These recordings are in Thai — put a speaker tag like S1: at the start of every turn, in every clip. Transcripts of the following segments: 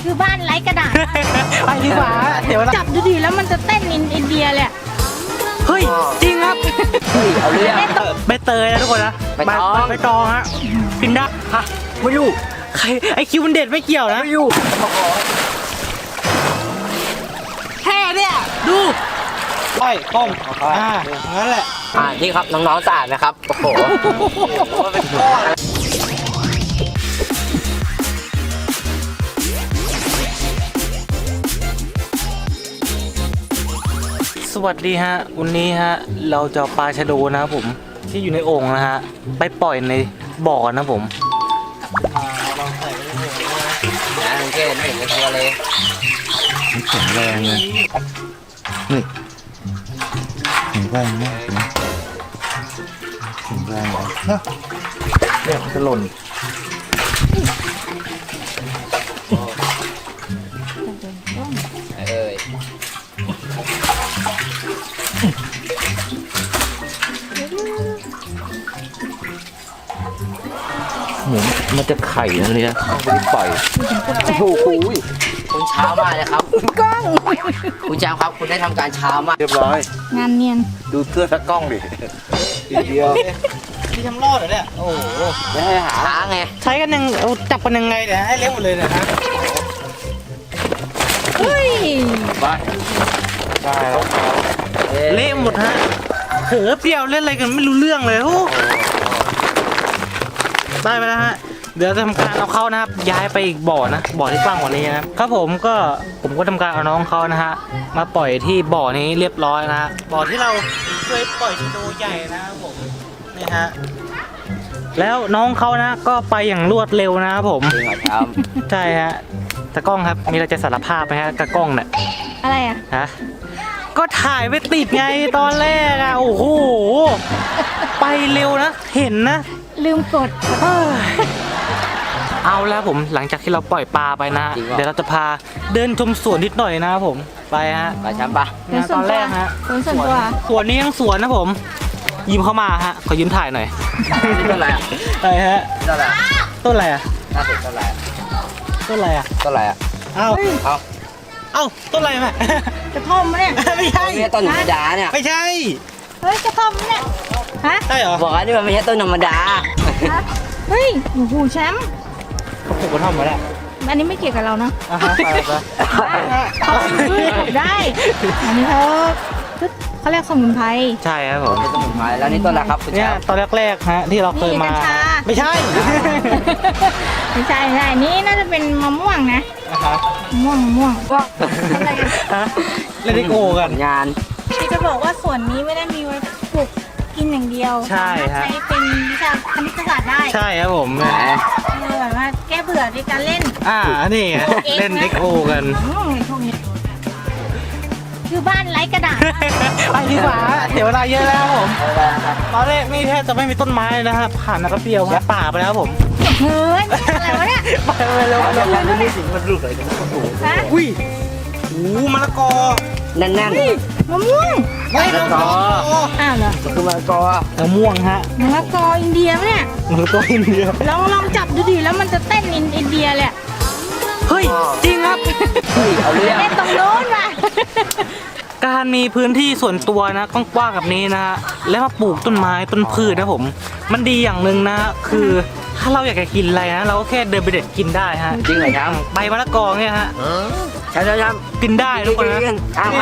S1: คือบ้านไร้กระดาษ
S2: ไปดีกว่าเดี๋ยว
S1: จับดูดิแล้วมันจะเต้นอินเดียเลย
S2: เฮ้ยจริงครับ
S3: เอาเรื่อง
S2: ใบเตยนะทุกคนนะ
S3: ใบตอง
S2: ใบตองฮะกินได้ฮะ
S3: ไม่อยู่
S2: ใครไอคิวมันเด็ดไม่เกี่ยวนะ
S3: ไม่อยู่
S2: แค่เนี่ยดูก้อยต้มงั้นแหละ
S3: นี่ครับน้องๆสะอาดนะครับโอ้โห
S2: สวัสดีฮะวันนี้ฮะเราจะเอาปลาชะโดนะครับผมที่อยู่ในโอ่งนะฮะไปปล่อยในบ่อนะผมลองใส่ไปในโอ่งนะ
S3: นะเกณฑ์ไม่เห็นในตัวเลย
S4: แข็งแรงเลยนี่แข็งแรงมากนะแข็งแรงเลยนะเนี่ยมันจะหล่น
S3: เอ้ย
S4: เหมือนมันจะไข่นะเนี่ยเอาไปปล่อย
S3: โอ้โหคุณเช้ามากเลยครับกล้องคุณเช้าครับคุณได้ทำการเช้ามาก
S4: เรียบร้อย
S1: งานเนียน
S4: ดูเสื้อสักกล้องดิทีเดียว
S2: พี่ทำรอดเหรอเนี่ยโอ้โห
S3: ไม่ให้หาล้างไง
S2: ใช้กันยังเอาจับกันยังไงเนี่ยให้เละหมดเลยเนี่ยฮะ
S1: เฮ้ย
S3: ไปใช่แล้ว
S2: เละหมดฮะเผลอเปรี้ยวเล่นอะไรกันไม่รู้เรื่องเลยโอ้ได้ไปแล้วฮะเดี๋ยวจะทำการเอาเขานะครับย้ายไปอีกบ่อนะบ่อที่กว้างกว่านี้นะครับผมก็ทำการเอาน้องเขานะฮะมาปล่อยที่บ่อนี้เรียบร้อยนะฮะบ่อที่เราเคยปล่อยชะโดใหญ่นะครับผมนี่ฮะแล้วน้องเขานะก็ไปอย่างรวดเร็วนะครับผม
S3: จริงเหรอครับ
S2: ใช่ฮะตากล้องครับมีอะไรจะสารภาพไหมฮะตากล้องเนี่ย
S1: อะไรอ่ะ
S2: ฮะก็ถ่ายไม่ติดไงตอนแรกอะโอ้โหไปเร็วนะเห็นนะ
S1: ลืมกด
S2: เอาแล้วผมหลังจากที่เราปล่อยปลาไปนะ เดี๋ยวเราจะพาเดินชมสวนนิดหน่อยนะครับผมไปฮะ
S3: ไปช้ำปะ
S1: เป็นส่
S2: ต
S1: ว
S2: อน น
S1: ตั
S2: แร
S1: ว
S2: กฮะ
S1: เป็นส่วนตัว
S2: สวนนี้ยังสวนนะผม ยิ้มเข้ามาฮะขอยิ้มถ่ายหน่อย
S3: นี่ต้นอะไรอ่ะ
S2: อะไรฮะ
S3: ต้นอะไร
S2: ต้นอะไรอะ
S3: น่าสนต้นอะไร
S2: ต้นอะไรอะ
S3: ต้นอะไรอ่ะ
S2: เอ้า
S3: เอา
S2: เอ้าต้นอะไรแม่
S1: กระท่อมมะเนี่ย
S2: ไม่ใช่
S3: ไม่ใช่ต้นธรรมดาเนี่ย
S2: ไม่ใช่
S1: เฮ้ยกระท่อมมะเนี่ยฮะ
S2: ใช่เหรอ
S3: บอกว่านี่มันไม่ใช่ต้นธรรมดา
S1: ฮะเฮ้ยโอ้โหแชมป์
S2: เขาปลูกกระท่อมมาแล้ว
S1: อันนี้ไม่เกี่ยวกับเราเนาะ
S2: อ่ะฮะไป
S1: เขาได้อันนี้เขาเรียกสมุนไพร
S2: ใช่ครับผม
S3: เป็นสมุนไพรแล้วนี่ต้นอะไรครับคุณ
S2: เนี่ย
S3: เช้า
S2: ตอนแรกๆฮะที่เราเคยมา
S1: นี่กัญชา
S2: ไม่ใช่
S1: ไม่ใช่นี่น่าจะเป็นมะม่วงนะ
S2: อ่ะฮะ
S1: มะม่วงอะไรกัน
S2: ฮะเล่นดิโกกัน
S3: งาน
S1: ที่จะบอกว่าส่วนนี้ไม่ได้มีไว้ปลูกกินอย่างเดียว
S2: ใช่ฮะ
S1: ใช้เป็นวิชาคณิตศาสตร์ได้
S2: ใช่ครับผม
S3: แหม
S1: คือแบบว่าแก้เบื่อด้วยการเล่น
S2: นี่ไงเล่นดิโกกัน
S1: พวกนี้คือบ้านไร้กระดาษ
S2: ไปดีกว่าเดี๋ยวเวลาเยอะแล้วครับผมตอนแรกนี่แทบจะไม่มีต้นไม้เลยนะฮะผ่านนักเปรียวฮะป่าไปแล้วครับผม
S1: เฮ้ยอะไรวะเนี่ย
S2: ไปเร็ว
S3: แล้วการที่นี่สิ
S4: มันลูกอะไรกันโอ้โห
S1: ฮะ
S2: อุ้ยโอ้มะละกอ
S3: แน่น
S1: มะม่วง
S2: ไม่มะละกอ
S1: อ้าวเหรอ
S3: ๆคือมะละกอ
S2: มะม่วงฮะ
S1: มะละกออินเดียปะเนี่ย
S2: มะละกออินเดีย
S1: ลองจับดูดิแล้วมันจะเต้นอินเดียเลย
S2: เฮ้ยจริงครับ
S3: เฮ้ยเอาเรื่อง
S1: เล่นตรงโน้นว่ะ
S2: การมีพื้นที่ส่วนตัวนะกว้างๆแบบนี้นะฮะแล้วมาปลูกต้นไม้ต้นพืชนะผม มันดีอย่างหนึ่งนะคือถ้าเราอยากจะกินอะไรนะเราก็แค่เดินไปเด็ดกินได้ฮะ
S3: จริงเหรอครับ
S2: ใบมะละกอเนี่ยฮะ
S3: ใช่ๆครับ
S2: กินได้ทุกคนนะ
S3: อ้าว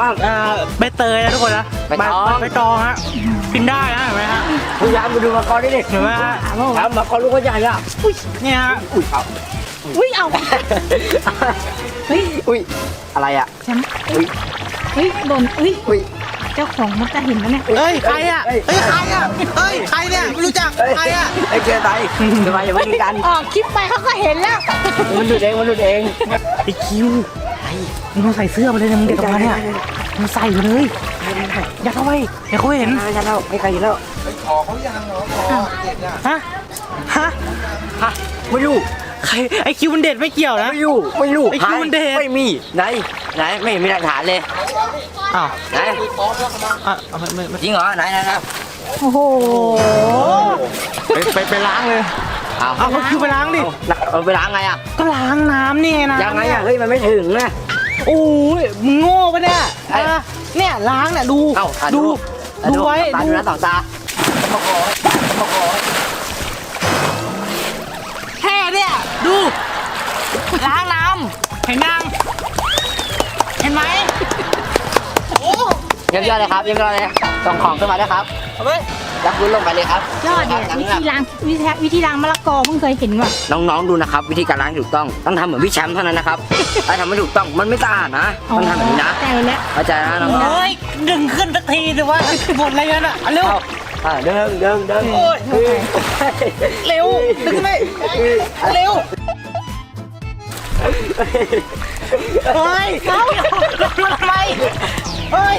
S2: ใบเตยนะทุกคนนะ
S3: ใบตอง
S2: ใบตองฮะกินได้นะเห็นไหมฮะ
S3: พยายามมาดูมะละกอนี่ดิ
S2: เห็นไหมฮะ
S3: ครับมะละกอลูกก็ใหญ่อะ
S2: เนี่ยฮะ
S3: อุ้ยเอา
S1: อุ้ยเอาเฮ้ย
S3: อุ้ยอะไรอะ
S1: แชมป์
S3: อุ้ย
S1: เฮ้ยโดนอุ้ย
S3: อุ้ย
S1: เจ้าของมันจะเห็นแล้วเนี่ย
S2: เฮ้ยใครอ่ะเฮ้ยใครอ่ะเฮ้ยใครเนี่ยไม่รู้จักใครอ่ะ
S3: ไอ้เกย์ไตทำไมอย่ามาดีกัน
S1: ออกคลิปไปเขาก็เห็นแล้ว
S3: มันดูเองมันดูเอง
S2: ไอคิวมึงต้องใส่เสื้อมาเลยนะมึงเด็กกับมันเนี่ยมึงใส่มาเลยอย่าเข้าไปอย่าเขาเห็น
S3: ไม่ใช่แล้วไม่ใครแล้ว
S4: ขอเขายังเหรอขอเด็ดอ่ะ
S2: ฮะฮะ
S3: ฮะไม่อยู่
S2: ใครไอคิวมันเด็ดไม่เกี่ยวนะ
S3: ไม่อยู่ไม่อยู่
S2: ไอ้คิวมันเด็ด
S3: ไม่มีไหนไม่เห็นมีหลักฐานเลย
S2: อ้าว
S3: ไหน
S2: อ่ะเอาไม่
S3: จริงเหรอไหนครับ
S1: โอ้โห
S2: ไปล้างเลยเอาก็คือไปล้างดิ
S3: เอาไปล้างไงอ่ะ
S2: ก็ล้างน้ำนี่ไงนะ
S3: ยังไงอ่ะเฮ้ยมันไม่ถึงนะ
S2: โอ้ยมึงโง่ปะเนี่ยเนี่ยล้างเนี่ยดู
S3: เอ้าดู
S2: ดูไว้
S3: ตาดูนะต่อตาโอ้โหโอ้โห
S2: แค่เนี่ยดูล้างน้ำเห็นยังเห็นไหมโอ้
S3: เยี่ยมยอดเลยครับเยี่ยมยอดเลยส่งของขึ้นมาด้วยครับ
S2: เอาไป
S3: ยักรุ้นลงไปเลยครับ
S1: ยอดเนี่ยวิธีล้างมะละกอเพิ่งเคยเห็นว่ะ
S3: น้องๆดูนะครับวิธีการล้างที่ถูกต้องทำเหมือนพี่แชมป์เท่านั้นนะครับถ้าทำไม่ถูกต้องมันไม่สะอาดนะต้องทำแบบนี้นะ
S1: ใจแล้ว
S3: เข้าใจนะน้อง
S2: เฮ้ยดึงขึ้นสักทีสิวะบนอะไรกันอ่ะเร็ว
S3: เดิน
S2: โอ้ยเร็วดึงขึ้นไปเร็วเฮ้ยเขาทำไมเฮ้ย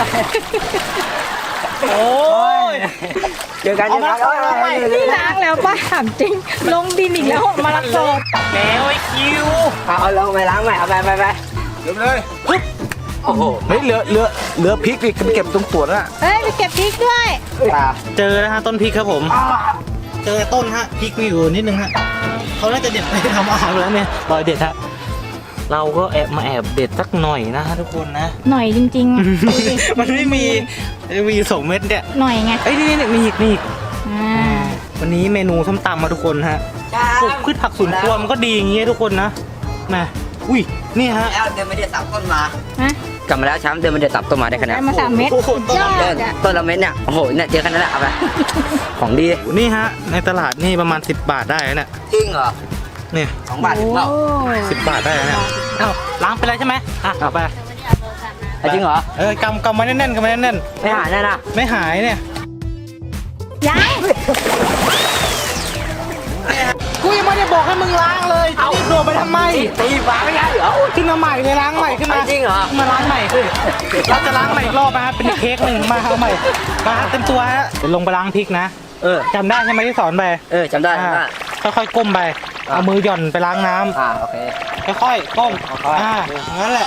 S2: โอ้ย
S3: เจอกัน
S2: เอามาเอาไป
S1: นี่ล้างแล้วป้าถามจริง ลงดินอีกแล้วมะละกอ
S2: แล้วไอ้คิว
S3: เอาลงไปล้างใหม่เอาไป
S4: เก็บเลย
S3: โอ้โห
S4: เฮ้ยเหลือพริกดิเก็บตรงขวดน่ะ
S1: เฮ้ยไปเก็บพริกด้วย
S2: เจอนะฮะต้นพริกครับผม เจอต้นฮะพริกมีอยู่นิดนึงฮะเขาน่าจะเด็ดไปทำอาหารแล้วเนี่ยรอยเด็ดฮะเราก็แอบเด็ดสักหน่อยนะฮะทุกคนนะ
S1: หน่อยจริงๆดูดิ
S2: มันไม่มี2 เม็ดเนี่ย
S1: หน่อยไง
S2: เอ้ยนี่มีอีก
S1: อ่า
S2: วันนี้เมนูส้มตำมาทุกคนฮะปลูกพืชผักสวนครัวมันก็ดีอย่างเงี้ยทุกคนนะมาอุ้ยนี่ฮะ
S3: แล้วเดินไม่ได้ตับต้นมา
S1: ฮะ
S3: กลับมาแล้วช้ำเดินไม่ได้ตับต้นมาได้ขนาด
S1: ได้มา3 เม็ดสุดยอด
S3: เดิน
S1: อ่ะ
S3: ต้นละเม็ดเนี่ยโอ้โหเนี่ยเจอขนาดนั้นเอาไปของดี
S2: นี่ฮะในตลาดนี่ประมาณ10 บาทได้นะเนี่ย
S3: จริงเหรอ
S2: เนี่ย
S3: 2 บาทถึงเปล่า
S1: โอ้
S2: 10 บาทได้นะเนี่ยเอ้าล้างไปแล้วใช่ไหมเอาไป
S3: จริงเหรอ
S2: กำไว้แน่นๆกำไว้แน่น
S3: ไม่หายแน่นะ
S2: ๆไม่หายเนี่ย
S1: ยัง
S2: กูยังไม่ได้บอกให้มึงล้างเลยจะรีบโดดไปทำไม
S3: ตีฟ้าไม่ได้เหรอ
S2: ขึ้นมาใหม่เลยล้างใหม่ขึ้นมา
S3: จริงเหรอ
S2: มาล้างใหม่สิเราจะล้างใหม่อีกรอบนะฮะเป็นเค้กหนึ่งมาเอาใหม่มาเต็มตัวฮะเดี๋ยวลงไปล้างพริกนะ จำได้ใช่ไหมที่สอนไป
S3: จำได้
S2: ค่อยๆก้มไปเอามือหย่อนไปล้างน้ำ
S3: โอเค
S2: ค่อยๆก้มงั้นแหละ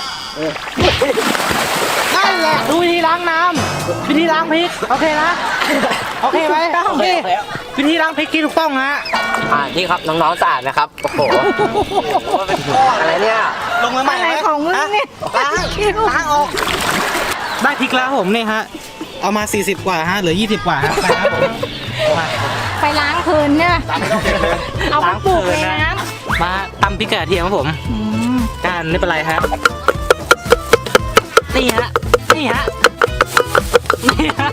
S2: นั่นแหละดูวิธีล้างน้ำวิธีล้างพริกโอเคนะโอเคไหมโอเควิธีล้างพริกที่ถูกต้องฮะ
S3: ที่ครับน้องๆสะอาดนะครับโอ้โหอะไรเนี่ย
S2: ลงมาใหม่
S1: อะไรของมึงเนี่ย
S2: ล้างออกได้พริกแล้วผมนี่ฮะเอามา40 กว่าฮะเหลือ20 กว่าฮะไปครับผมมา
S1: ไปล้างเพลินเนี่ยเอาไปปลูกในน้
S2: มาตำพริกกระเทียมครับผม
S1: ำอืม
S2: จานไม่เป็นไรฮะนี่ฮะนี่ฮะนี่ฮะ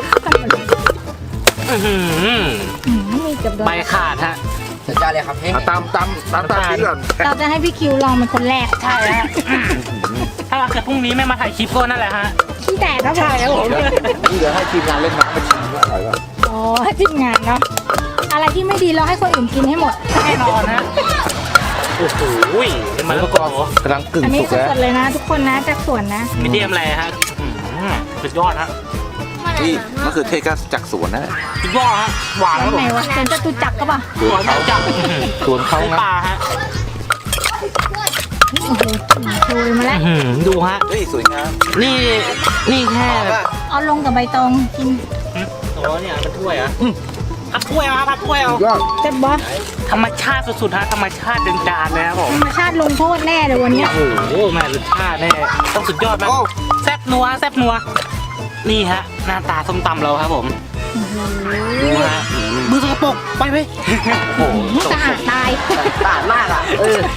S2: อื้อหือ
S1: มีเกือบโดน
S2: ใบขาดฮะ
S3: สุดยอดเลยครับพี่
S4: ตามพริกก่อน
S1: เราจะให้พี่คิวลองเป็นคนแรก
S2: ใช่ฮะถ้าเกิดพรุ่งนี้ไม่มาถ่ายคลิปก็นั่นแหละฮะ
S1: ขี้แตกครับผม
S4: นี่เดี๋ยวให้ทีมงานเล่นน้ำมาชิมว่าอร่อยป่ะ
S1: อ๋อทีมงานเนาะอะไรที่ไม่ดีเราให้คนอื่นกินให้หมด
S2: แน่นอนฮะโอ้โหมันก็
S4: กำลังกึ่ง
S1: อันนี้
S4: สุกแล้ว
S1: สดๆเลยนะ ทุกคนนะจากสวนนะ
S2: มีเดียมอะไรฮะสุดยอดฮะ
S4: นี่มะเขือเทศก็จากสวนนะ
S2: สุดยอดฮะหวานครับ
S1: ไห
S2: ผ
S1: น
S2: ม
S1: วะเป็นจตุจักรก็ป่ะ
S2: หวานจัง
S4: สวนเขานะ
S2: ปลาฮะ
S1: โอ้โหโชยมาแล้ว
S2: ดูฮะ
S4: เฮ้ยสวยงาม
S2: นี่แค่
S1: เอาลงกับใบตองกิน
S2: โอ้เนี่ยมันถ้วยอ่ะพับถ้วยมาพับถ้วยเอา
S4: ยอด
S1: เจ็บบอส
S2: ธรรมชาติสุดๆฮะธรรมชาติเดินจานเลยครับผม
S1: ธรรมชาติลงโทษแน่เลยวันเนี้ย
S2: โอ้โหแม่รสชาติเนี่ยต้องสุดยอดมากแซ่บนัวแซ่บนัวนี่ฮะหน้าตาส้มตำเราครับผมดูฮะมือสกปรกไปไหมโอ้โห
S1: สะอาดตาย
S3: สะอาดมากอ่ะ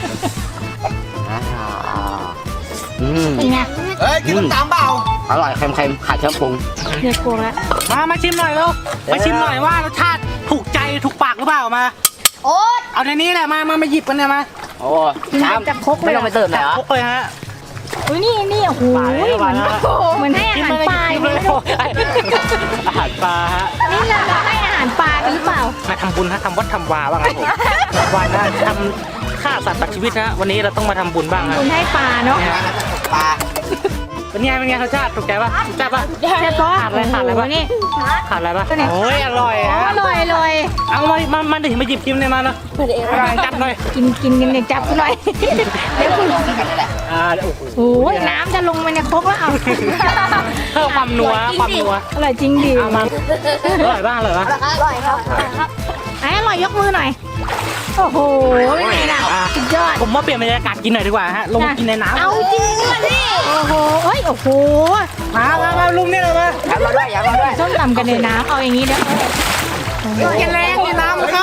S1: เป็นไง
S4: เฮ้ยกินน้ำตาลเปล่า
S3: อร่อยเค็มๆขาดเครื่องปรุง
S1: เดือดโกงแล้ว
S2: มาชิมหน่อยแล้วมาชิมหน่อยว่ารสชาติถูกใจถูกปากหรือเปล่ามา
S1: โอ๊ต
S2: เอาในนี้แหละมาหยิบกันเนี่ยมา
S3: โอ้
S1: จะครกเลย
S3: ไม่ต้องไปเติมเลยเหรอ
S2: พกเลยฮะ
S1: อุ้ยนี่โอ้โห
S2: ปลาเลย
S1: เหมือน
S2: ปลาเลย
S1: เหมือนให้อาหารปลา
S2: ชิม
S1: ไม่
S2: เลย
S1: รู้
S2: อาหารปลาฮะ
S1: นี่เราให้อาหารปลากันหรือเปล่า
S2: มาทำบุญฮะทำวัดทำวาบ้างครับผมวันนะทำฆ่าสัตว์ตัดชีวิตนะวันนี้เราต้องมาทำบุญบ้างฮะ
S1: คุณให้ปลาเนาะ
S2: เนี่ยฮะ
S3: ปลา
S2: เป็นไงรสชาติถูกใจป่ะถูกใจป่ะ
S1: ใช่ปะ
S2: ขาดอะไรป่ะ
S1: นี่
S2: ขาดอะไรป่ะ
S1: ตัวไหน
S2: โอ้ยอร่อย
S1: อ๋อ
S2: ฮะ
S1: อร่อยอร่อย
S2: เอามาดิมาหยิบชิมเลยมาเนาะจัดหน่อย
S1: กินกันเนี่ยจับกูหน่อยเดี๋ยวคุณ
S3: กันนี่แหละ
S2: โอ้โห
S1: โอ้ยน้ำจะลงไปในครกแล้วเอา
S2: เพิ่มความนัวความนัว
S1: อร่อยจริงดิ
S2: เอามาอร่อยบ้างเหรอ
S1: อร่อยครับไอ้อร่อยยกมือหน่อยโอ้โหเป็นไงล่ะสุดยอด
S2: ผมว่าเปลี่ยนบรรยากาศกินหน่อยดีกว่าฮะลงมากินในน้ำ
S1: เอาจริงด้วยนี่โอ้โหเฮ้ยโอ้โห
S2: มาลุงนี่เลยมา
S3: อย่ามาด้วยอย่ามาด้วย
S1: ส้มตำกันในน้ำเอาอย่างนี้เด้อ
S2: กินแรงในน้ำมันเข้า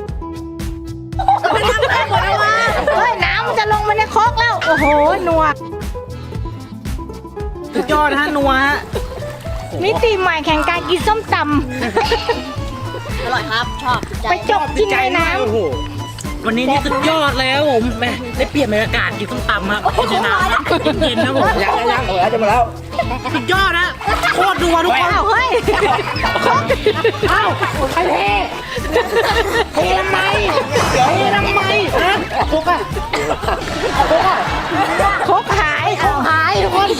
S1: มันทำได้หมดแล้ววะเฮ้ยน้ำมันจะลงมาในครกแล้วโอ้โหหนวก
S2: สุดยอดฮะนัวฮะ
S1: มิติใหม่แข่งการกินส้มต
S5: อร่อยครับ ชอบ
S1: ำไปจบกินในน้
S2: โอ้โหวันนี้นี่สุดยอดแล้วผมแม่ได้เปลี่ยนบรรยากาศกินส้มตำครับกินในน้ำเย็นๆนะผม
S3: ยังจะมาแล้ว
S2: สุดยอดนะโคตรนัวทุก
S1: ำ
S2: คน
S1: อ้าวเฮ้ย
S2: เอ้าใครเททำไมฮะพกอะ
S1: ครกหายเอาหายทุกคน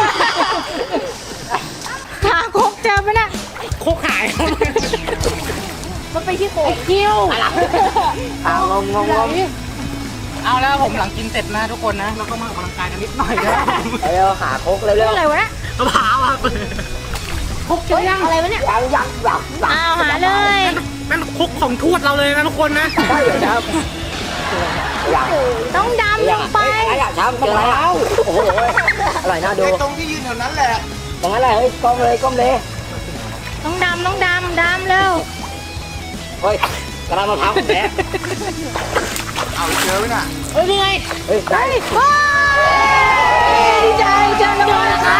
S1: หาครกเจอไหมน่ะ
S2: โคกหาย
S1: มันไปที่โคกคิ้ว
S3: งง
S2: เอาแล้วผมหลังกินเสร็จนะทุกคนนะเราก็มาออกกำลังกายกันนิดหน่อยนะ
S3: เร็วหาโคกเร็ว
S1: อะไรวะน่ะ
S2: มะพร้าวครับ
S1: ครกเจอยังอะไรวะเนี่ย
S3: ยัง
S1: อ้าวหาเลย
S2: เป็นคุกของทวดเราเลยนะทุกคนนะ
S3: ใช่ครับยัง
S1: ต้องดำลงไป
S3: อยากทำเจอแล้วโอ้โหอร่อยน่าดู
S4: ตรงที่ยืนแถวนั้นแหละ
S3: ตรงนั้นแหละเฮ้ยก้มเลย
S1: ต้องดำเร็ว
S3: เฮ้ยกระดานมะพร้าวแท้
S4: เอาเจอไหมน่ะ
S2: เฮ้ยนี่ไง
S3: เฮ้ยได้
S1: ว้าวดีใจเจอแล้วครับ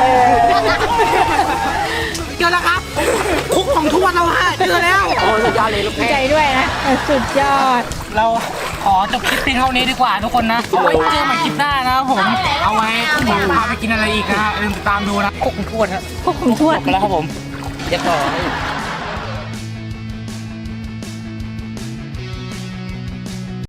S2: เจอแล้วครับคุกของทวดเราฮะเจอแล้ว
S3: โอ้สุดยอดเลยลูก
S1: ดี
S3: แพ้
S1: ใจด้วยนะสุดยอด
S2: เราขอจบคลิปเพียงเท่านี้ดีกว่าทุกคนนะเอาไว้เจอใหม่คลิปหน้านะครับผมเอาไว้ผมพาไปกินอะไรอีกนะฮะอย่าลืมติดตามดูนะคุกของทวดครับ
S1: พวกคุณทวด
S2: ไปแล้วครับผม
S3: เรียบร้อย